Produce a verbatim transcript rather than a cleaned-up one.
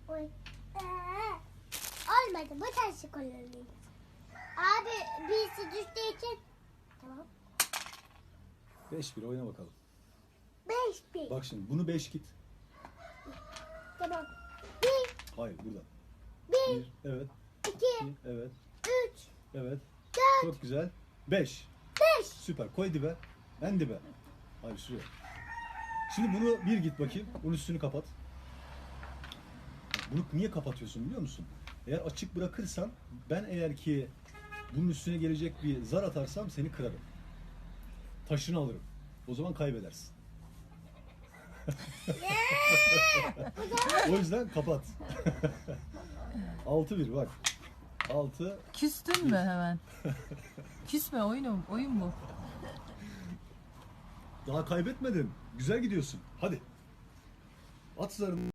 Oy. Ee, olmadı. Bu taşı kullanayım. Abi birisi düştüğü için. Tamam. beş bir oyna bakalım. Beş bir. Bak şimdi bunu beş git. Tamam. Bir, Hayır burada. bir, bir evet. iki, iki evet. üç, Evet. dört, Çok güzel. beş. beş. Süper. Koy dibe. En dibe. Hayır şuraya. Şimdi bunu bir git bakayım. Bunun üstünü kapat. Bunu niye kapatıyorsun biliyor musun? Eğer açık bırakırsan ben eğer ki bunun üstüne gelecek bir zar atarsam seni kırarım. Taşını alırım. O zaman kaybedersin. O yüzden kapat. altı bir bak. altı. Küstün mü hemen? Küsme, oyun, oyun bu. Daha kaybetmedin. Güzel gidiyorsun. Hadi. At zarını.